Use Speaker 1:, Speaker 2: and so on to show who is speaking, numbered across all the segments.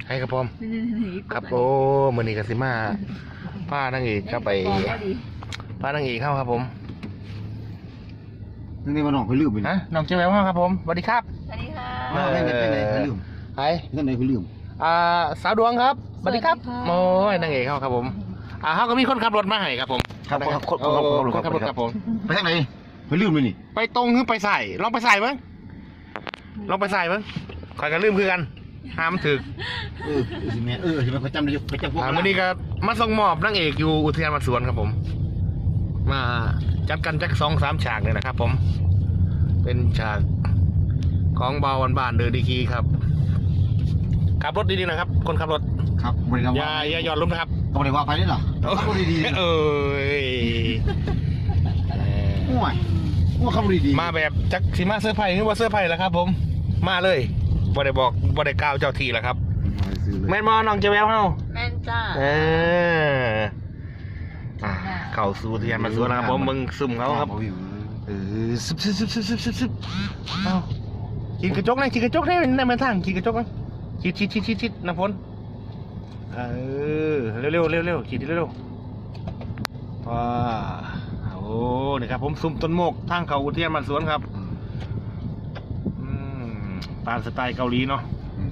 Speaker 1: ให้ครับผมครับโอ้มือนี้กับซิมาผ้านางเอกครับไปผ้านางเอกเข้าครับผม
Speaker 2: นี่มาน้องไปลืมไป
Speaker 1: ฮะน้องเจ้าแววเข้าครับผมสวัสดีครับ
Speaker 3: สวัสดีค่ะ
Speaker 2: ไม่ไปลืม
Speaker 1: ไอ
Speaker 2: นั่นไหนไปลืม
Speaker 1: สาวดวงครับสวัสดีครับโอ้ยนางเอกเข้าครับผมเขาก็มีคนขับรถมาให้ครับผม
Speaker 2: ครับคน
Speaker 1: ขับรถครับผม
Speaker 2: ไปทางไหนไปลืมเลยนี่
Speaker 1: ไปตรงหรือไปใส่ลองไปใส่มั้งลองไปใส่มั้งคอยกันลืมคือกันห้ามถึก
Speaker 2: สิแม่สิแม่เขาจำได้เขาจำพวก
Speaker 1: มื่อนี้ก็มาส่งมอบนางเอกอยู่อุทยานวัดสวนครับผมมาจัดกันจัก2-3 ฉากเลยนะครับผมเป็นฉากของเบาบ้านเดินดีกีครับขับรถดีๆนะครับคนขับรถ
Speaker 2: ครับ
Speaker 1: อย่าหย่อนลุ้มนะครับ
Speaker 2: ต้องเรียกว่าไปได้หรอขับรถดีว่าขับรถดี
Speaker 1: มาแบบจักสีมาเสื้อไผ่หรือว่าเสื้อไผ่แล้วครับผมมาเลยบ่ได้บอกบ่ได้กล่าวเจ้าทีแล้วครับแม่นมอน้องจะแววเฮา
Speaker 3: แม่นจ้า
Speaker 1: เข้าสู่อุทยานวัดสวนนะครับผมมึงซุ่มเขาครับซึบเอาขีดกระจกนะขีดกระจกได้ในมันทางขีดกระจกนะชิดน้ำฝนเร็วขีดเร็วว้าโอ้นี่ครับผมซุ่มต้นโมกทางเขาอุทยานวัดสวนครับตามสไตล์เกาหลีเนาะ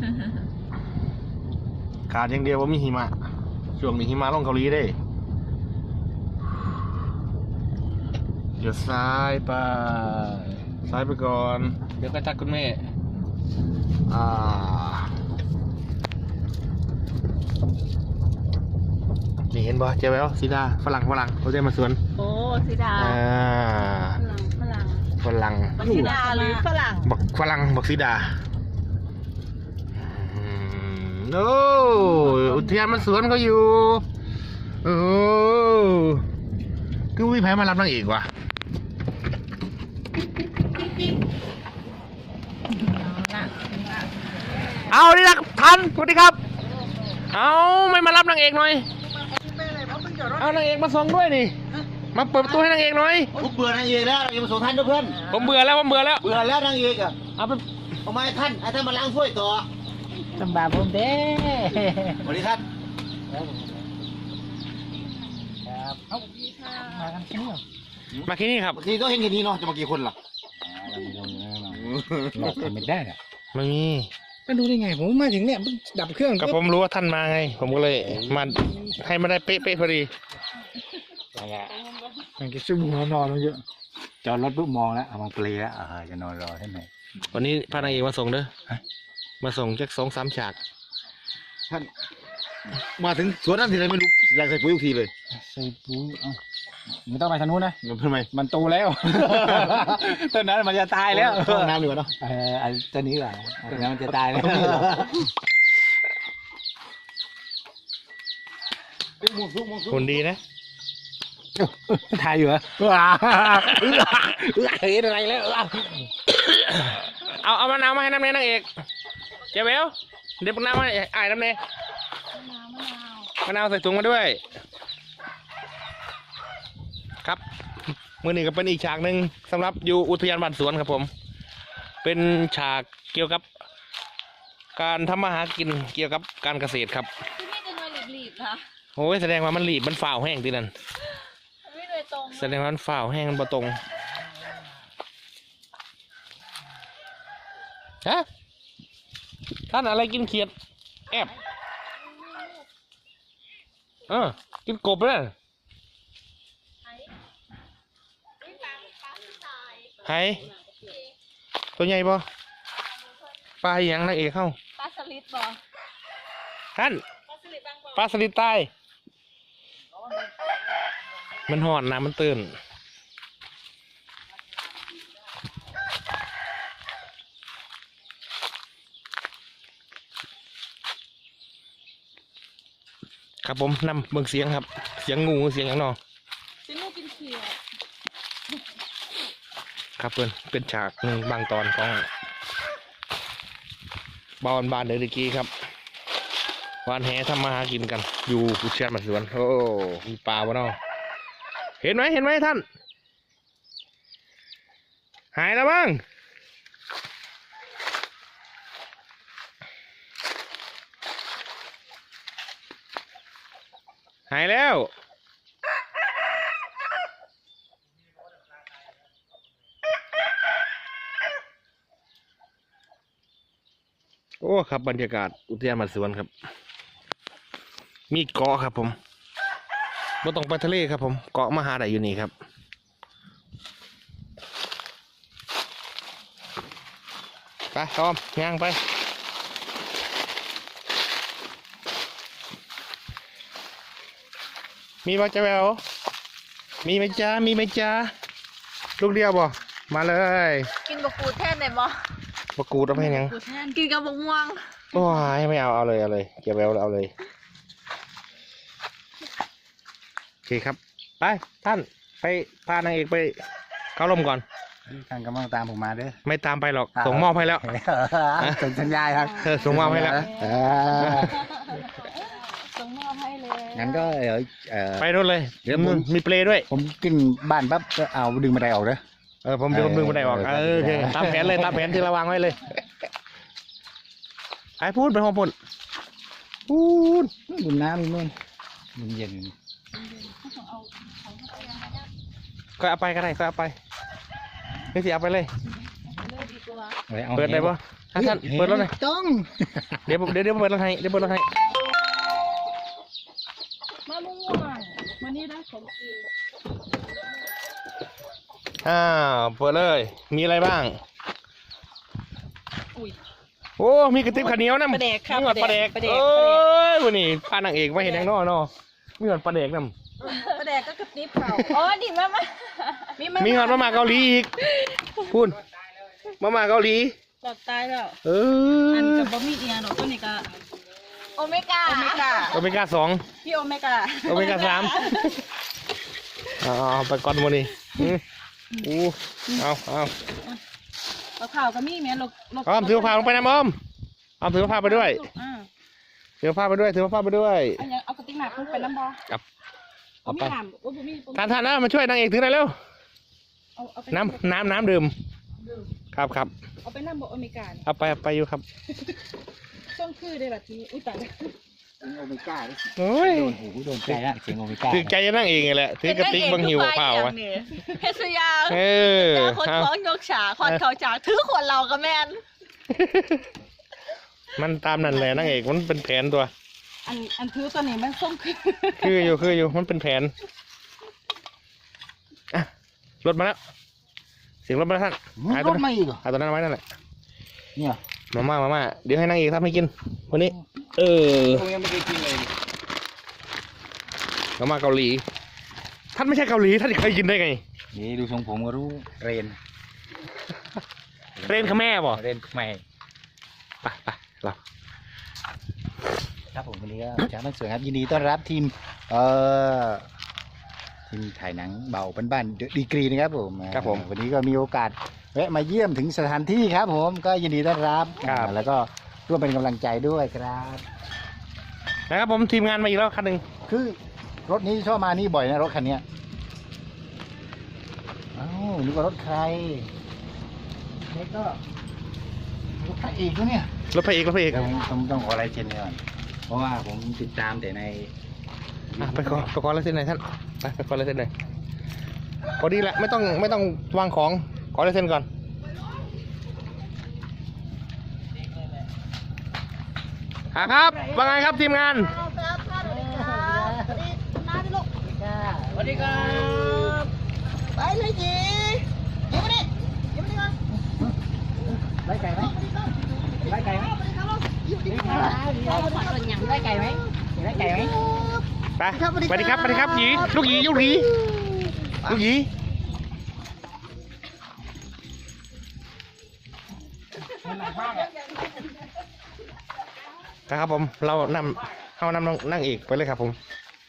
Speaker 1: ขาดอย่างเดียวว่ามีหิมะช่วงนี้หิมะลงเกาหลีได้เดี๋ยวซ้ายไปก่อนเดี๋ยวก็ทักคุณแม่นี่เห็นบ่เจ้าแววสีดาฝรั่งเขาจะมาสวน
Speaker 3: โอ้สีดา
Speaker 1: ฝรั่ง
Speaker 3: สีดาหรือฝรั่ง
Speaker 1: บอกสีดาโอ้อุทยานมันสวนเขาอยู่โอ้คือวิแพ้มารับนางเอกว่ะเอาดิละทันสวัสดีครับเอาไม่มารับนางเอกหน่อยเอานางเอกมาส่งด้วยนี่มาเปิดประตูให้นางเอกหน่อย
Speaker 2: ผมเบื่อนางเอกแล้วยังมาส่งท่านด้วยเพื่อน
Speaker 1: ผมเบื่อแล้ว
Speaker 2: เบื่อแล้วนางเอกอ่ะเอามาให้ท่านมาล้างถ้วยต่อ
Speaker 3: ลำบากผมเด้
Speaker 2: สวัสดีท่าน
Speaker 3: ครับมากันที่นี่
Speaker 1: มาที่นี่ครับ
Speaker 2: ทีก็เห็นแค่นี้เนาะจะมากี่คนล่ะ
Speaker 3: หลอกกันไม่ได้อะ
Speaker 1: ไม่มี
Speaker 3: ก็ดูได้ไงผมมาถึงเนี่ยดับเครื่อง
Speaker 1: ก็ผมรู้ว่าท่านมาไงผมก็เลยมาให้มาได้เป๊ะพอดี
Speaker 3: มันจะชุ่มหัวนอนเยอะจอดรถปุ๊บมองแล้วเอามาเปลยแล้วจะนอนรอใช่ไหม
Speaker 1: วันนี้พานางเอกมาส่งเด้อมาส่งจัก2-3 ฉาก
Speaker 2: ท่านมาถึงสวนนั่นทีไรไม่รู้อยากใส่ปุ๋ยทุกทีเลย
Speaker 3: ใส่ปุ๋ยไม่ต้องไปทางนู้นนะ
Speaker 2: ทำไม
Speaker 3: มันโตแล้วต้นนั้นมันจะตายแล้ว
Speaker 2: น้ำดีกว่าเนาะ
Speaker 3: ต้นนี้ก่อนต้นนั้นมันจะตายแล้ว
Speaker 1: คนดีนะ
Speaker 3: ถ่ายอยู่เหรอเห็นอะไรแล้ว
Speaker 1: เอามะนาวมาให้น้ำเนยนางเอกเจ้าเบลเดี๋ยวมะนาวมาให้น้ำเนยมะนาวใส่ถุงมาด้วยครับมือนี้ก็เป็นอีกฉากหนึ่งสำหรับอยู่อุทยานบ้านสวนครับผมเป็นฉากเกี่ยวกับการทำมาหากินเกี่ยวกับการเกษตรครับ
Speaker 3: ที่นี่จะนอนหลีบๆนะ
Speaker 1: โอ้ยแสดงว่ามันหลีบมันฝ่าแห้งทีนั้นแสดงว่ามันฝ่าแห้งมันบ่ตรงฮะท่านอะไรกินเขียดแอบกินกบเลยไข่ตัวใหญ่ป่ะปลาอย่างนางเอกเข้า
Speaker 3: ปลาสลิดป่ะ
Speaker 1: ท่านปลาสลิดตายมันหอนน้ำมันตื่นครับผมนำเบิ่งเสียงครับเสียงงูเสียงอย่างนอ
Speaker 3: เสียงงูกินเขียด
Speaker 1: ครับเป็นฉากหนึ่งบางตอนของบ้านเดลิกี้ครับวานแหทำมาหากินกันอยู่อุทยานบ้านสวนโอ้มีปลาบ่เนาะเห็นไหมท่านหายแล้วบ้างหายแล้วโอ้ครับบรรยากาศอุทยานบ้านสวนครับมีเกาะครับผมไม่ต้องไปทะเลครับผมเกาะมหาได้อยู่นี่ครับไปตอมย่างไปมีบ่จะแววมีไหมจ้ามีไหมจ้าลูกเดียวบ่มาเลย
Speaker 4: กินบะกูดแทนได้บ่
Speaker 1: ประกูดเอาไปยัง
Speaker 4: กูดแทนกินกับบะม่วง
Speaker 1: โอ้ยไม่เอาเลยเอาเลยเก็บแววเอาเลยโอเคครับไปท่านไปพานางเอกไปเข้าร่มก่อน
Speaker 3: ท่านกำลังตามผมมาเด้อ
Speaker 1: ไม่ตามไปหรอกส่งมอบให้แล้ว
Speaker 3: ส่งสัญญาณครับ
Speaker 1: ส่งมอบให้แล้ว
Speaker 4: ส่งมอบให้เลย
Speaker 3: งั้นก็
Speaker 1: ไปนู่นเลย
Speaker 3: เดี๋ยวผม
Speaker 1: มีเปลด้วย
Speaker 3: ผมกินบ้านปั๊บก็เอาดึงบันไดออกเด้อ
Speaker 1: ผมดึงบันไดออกโอเคตามแผนเลยตามแผนที่เราวางไว้เลยไอ้พูดไปห้องพูดพูด
Speaker 3: ดูน้ำนู่นมันเย็น
Speaker 1: ก็เอาไปก็ได้ก็เอาไปไม่เสียเอาไปเลย
Speaker 4: เลยดีกว่า
Speaker 1: เปิดได้ปะท่านเปิดรถหน่อย
Speaker 3: ต้อง
Speaker 1: เดี๋ยวเปิดรถให้เดี๋ยวเปิดรถให้
Speaker 4: มะม่วงวันนี้ได้ของกิน
Speaker 1: เปิดเลยมีอะไรบ้าง
Speaker 4: อุ้ย
Speaker 1: โอ้มีกระติบข้าวเหนียวนะ
Speaker 4: ปลาแดกครับ
Speaker 1: มีหอดปลาแดก
Speaker 4: ปลาแดก
Speaker 1: เอ้ยวันนี้พานางเอกมาเห็นยังนอมีหอดปลาแดกนำ
Speaker 4: ปลาแดกก็กระติบเขาอ๋อดิมา
Speaker 1: มีหอดมาเกาหลีอีกพูดมาเกาหลี
Speaker 4: หลอดตายแล้ว
Speaker 1: อั
Speaker 4: นกับบะหมี่เอียหนอตัวนี้ก็โอเมก้า
Speaker 1: โอเมก้า2
Speaker 4: พี่โอเมก้า
Speaker 1: โอเมก้า3เอาไปก่อนวันนี้เอา
Speaker 4: เอาข่าวก็มีแม่ลก
Speaker 1: อ้อมถือผ้าลงไปนะอ้อมถือผ้าไปด้วยถือผ้าไปด้วย
Speaker 4: เอากระติกหนักลงไปน้ำบอ
Speaker 1: เอาไป
Speaker 4: น้ำโอ้ผมมี
Speaker 1: ท่านนะมาช่วยนางเอกถือหน่อยเร็ว
Speaker 4: เอาไป
Speaker 1: น้ำดื่มครับ
Speaker 4: เอาไปน้ำบอโอเมก้า
Speaker 1: เอาไปอยู่ครับ
Speaker 4: ช่วงคือได้แบบนี้อุ้ยตาย
Speaker 3: โอเมก้า
Speaker 1: โอ้ย
Speaker 3: โดนหูโดนใจละเสียงโอเมก้า
Speaker 1: ถือใจจะนั่งเองไงแหละถือกระติกบังหิวเปล่าวะ
Speaker 4: เฮสยา
Speaker 1: เออ
Speaker 4: คนท้องยกฉาควันเขาจากถือขวดเราก็แม่น
Speaker 1: มันตามนั่นแหละนางเอกมันเป็นแผนตัว
Speaker 4: อันถือตัวนี้มันส้มคือ
Speaker 1: คืออยู่มันเป็นแผนอ่ะรถมาแล้วเสียงรถมาแล้วท่าน
Speaker 3: รถไม่อีกเหรอ
Speaker 1: เอาตัวนั้นไว้นั่นแหละ
Speaker 3: เนี่ย
Speaker 1: มาเดี๋ยวให้นางเอกทำให้กินวันนี้
Speaker 3: ผมยังไม่ได้กินเลย
Speaker 1: มาม่าเกาหลีท่านไม่ใช่เกาหลีท่านเคยกินได้ไง
Speaker 3: นี่ดูทรงผมก็รู้เรน
Speaker 1: เรนขแม่บ่
Speaker 3: เรนใหม่
Speaker 1: ไปเรา
Speaker 3: ครับผมวันนี้ก็จ้าบ้านสวยครับยินดีต้อนรับทีมทีมถ่ายหนังเบาบ้านๆดีกรีนะครับผมวันนี้ก็มีโอกาสแวะมาเยี่ยมถึงสถานที่ครับผมก็ยินดีต้อนรับแล้วก็ร่วมเป็นกำลังใจด้วยครับ
Speaker 1: นะครับผมทีมงานมาอีกแล้วคันหนึ่ง
Speaker 3: คือรถนี้ชอบมานี่บ่อยนะรถคันนี้อ้าวนึกว่ารถใครนี่ก็รถพระเอกด้วยเนี่ย
Speaker 1: รถพระเอก
Speaker 3: ต้องขออะไรเช่นก่อนเพราะว่าผมติดตามแต่ใน
Speaker 1: ไปขอลายเซ็นหน่อยท่านไปขอลายเซ็นหน่อยพอดีแหละไม่ต้องวางของขอลายเซ็นก่อนครับว่าไงครับทีมงาน
Speaker 4: สวัสดีครับไปเลยจียิ้มมาดิยิ้มมาดิก่อน
Speaker 3: ไล่ไก่ไหมไล่ไก่ไหม
Speaker 4: ได้ไก่ไหม
Speaker 3: ไล่ไก่ไหม
Speaker 1: ไปสวัสดีครับหยีลูกหยีครับผมเรานำนั่งอีกไปเลยครับผม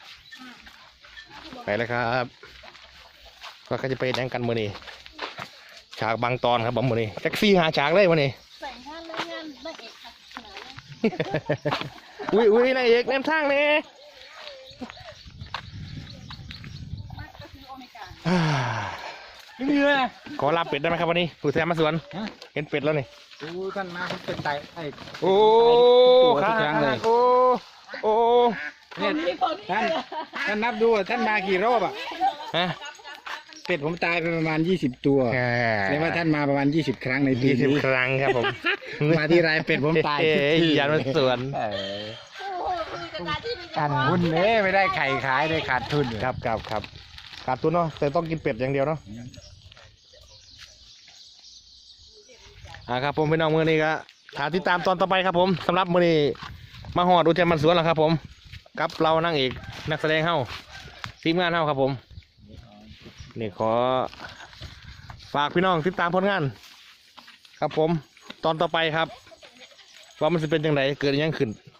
Speaker 1: ไปเลยครับก็จะไปแดงกันมือนี้ฉากบางตอนครับผมมือนี้แท็กซี่หาฉากเลยมือนี้
Speaker 4: ใส่ห้านเลยงานได้เอกค่ะ
Speaker 1: อุ้ยนายเอกแนมทางเนี่ยขอลาเป็ดได้ไหมครับวันนี้ผู้แทนมาสวนเห็นเป็ดแล้วนี่
Speaker 3: โอ้ท่านมาเป็นไต
Speaker 1: โอ้
Speaker 3: ทุกครั้งเลย
Speaker 1: โอ้
Speaker 3: เนี่ยท่านนับดูท่านมากี่รอบอ่ะ
Speaker 1: ฮะ
Speaker 3: เป็ดผมตายไปประมาณ20 ตัวแสดงว่าท่านมาประมาณ20 ครั้งในปี
Speaker 1: 20
Speaker 3: นี้
Speaker 1: ครั้งครับผม
Speaker 3: มาที่ไรเป็ดผมตายทุกที
Speaker 1: ยานมันสวน
Speaker 3: กันหุ้นเนี่ยไม่ได้ไข่ขายได้ขาดทุน
Speaker 1: ครับขาดทุนเนาะแต่ต้องกินเป็ดอย่างเดียวเนาะครับผมพี่น้องมือนี้ก็ถาติดตามตอนต่อไปครับผมสำหรับมือนี้มาหอดอุทยานมันสวนแล้วครับผมกับเรานั่งเอกนักแสดงเฮ้าทีมงานเฮ้าครับผมนี่ขอฝากพี่น้องติดตามผลงาน ครับผมตอนต่อไปครับว่ามันจะเป็นยังไงเกิดยังขึ้น